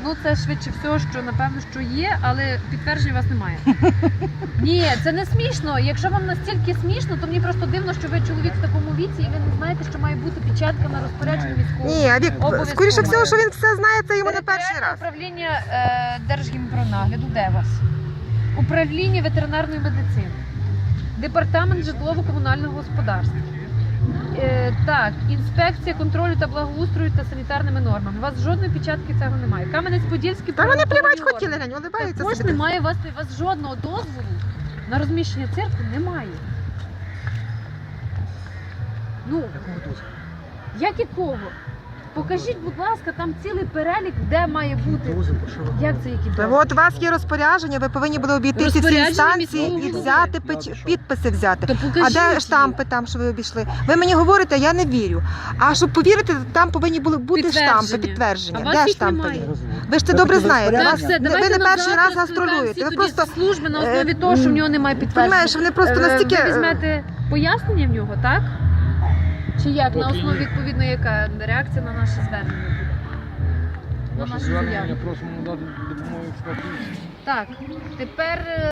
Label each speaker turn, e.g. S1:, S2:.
S1: Ну це швидше всього, що напевно, що є, але підтвердження у вас немає. Ні, це не смішно. Якщо вам настільки смішно, то мені просто дивно, що ви чоловік в такому віці і ви не знаєте, що має бути печатка на розпорядження військового.
S2: Ні, Вік,
S1: Обов'язково
S2: скоріше всього,
S1: має.
S2: що він все знає, це йому не перший
S1: Територіальне
S2: раз.
S1: управління Держгімпронагляду, де вас? Управління ветеринарної медицини, департамент житлово-комунального господарства. Так, інспекція контролю та благоустрою та санітарними нормами. У вас жодної печатки цього немає. Кам'янець-Подільський
S2: Та вони плівати
S1: правоохоронні
S2: хотіли,
S1: органи.
S2: глянь, улибаються
S1: Також
S2: собі.
S1: немає у вас жодного дозволу на розміщення церкви, немає. Ну, як якого? Покажіть, будь ласка, там цілий перелік, де має бути. Як це які
S2: Та
S1: дозволи?
S2: от у вас є розпорядження, ви повинні були обійти всі ці
S1: Розпорядження
S2: інстанції
S1: міського
S2: і
S1: голови.
S2: взяти підписи взяти.
S1: То
S2: А
S1: покажіть
S2: де
S1: їх.
S2: штампи там, що ви обійшли? Ви мені говорите, я не вірю. А щоб повірити, там повинні були бути штампи,
S1: А
S2: підтвердження.
S1: вас
S2: Де
S1: їх
S2: штампи
S1: немає.
S2: є? Ви ж це добре знаєте.
S1: Так,
S2: Вас,
S1: все,
S2: ви
S1: давайте
S2: не
S1: на
S2: перший
S1: завтра
S2: раз
S1: скликаємо
S2: гастролюєте.
S1: всі
S2: Ви
S1: тоді
S2: просто
S1: служби на основі того, що в нього немає підтвердження.
S2: розумієш, вони просто настільки.
S1: Ви візьмете пояснення в нього, так? Чи як? На основі відповідно, яка реакція на наше звернення буде? На
S3: Ваше
S1: нашу
S3: звернення
S1: заяву.
S3: просимо надати допомогу експертизі.
S1: Так, тепер